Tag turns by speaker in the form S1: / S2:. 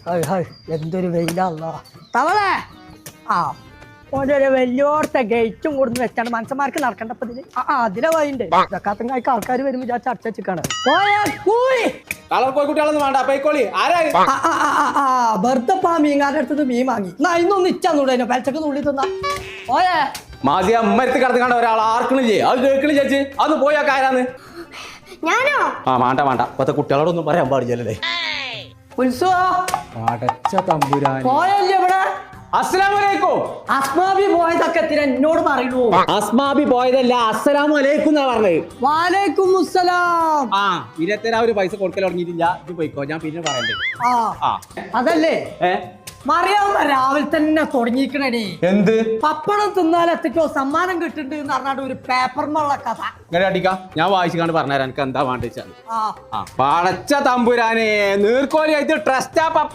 S1: എന്തൊരു വെയിലല്ലോ തവളെ. ആ ഓരോ വലിയോടത്തെ ഗേറ്റും കൊടുന്ന് വെച്ചാണ് മനുഷ്യന്മാർക്ക് നടക്കേണ്ടപ്പോ ഇതില്. അതിലെ വഴിയുണ്ട് ഇതൊക്കാത്തങ്ങായിക്ക് ആൾക്കാർ വരുമ്പോ വിചാരിച്ച അടച്ചാണ്. വെറുതെപ്പാ മീൻകാരുടെ അടുത്തത് മീൻ വാങ്ങി ഇന്നൊന്ന് ഇച്ചൂടെ പലച്ചക്ക് നുള്ളി തന്നാ ഓയേ
S2: മാസിയ അമ്മരത്ത് കിടന്ന് ഒരാൾ ആർക്കണില്ലേ അത് കേൾക്കണില്ല ചേച്ചി അന്ന് പോയാ കാരാന്ന്
S3: ഞാനോ
S2: വേണ്ട ഇപ്പത്തെ കുട്ടികളോടൊന്നും പറയാൻ പാടില്ലല്ലേ.
S1: പോയല്ലേ ഇവിടെ
S2: അസ്സലാമലൈക്കും.
S1: അസ്മാബി പോയതൊക്കെ എന്നോട് പറയണു.
S2: അസ്മാബി പോയതല്ല അസ്സലാമു അലൈക്കും എന്നാ പറഞ്ഞത്.
S1: വാലൈക്കും മുസ്സലാം.
S2: 20,000 പൈസ കൊടുക്കൽ തുടങ്ങിയിട്ടില്ല. ഇത് പോയിക്കോ ഞാൻ പിന്നെ പറയണ്ടേ.
S1: അതല്ലേ മറിയാവുന്ന രാവിലെ തന്നെ തുടങ്ങിക്കണേ.
S2: എന്ത്
S1: പപ്പടം തിന്നാൽ എത്തിക്കോ സമ്മാനം കിട്ടുന്നുണ്ട് എന്ന് പറഞ്ഞാണ്ട് ഒരു പേപ്പറിനുള്ള കഥ
S2: ഇങ്ങനെ അടിക്കാം. ഞാൻ വായിച്ചു പറഞ്ഞുതരാം എനിക്ക് എന്താ വേണ്ട വെച്ചാൽ. പടച്ച തമ്പുരാനെ നീർക്കോലിയായിട്ട് ട്രസ്റ്റാ പപ്പ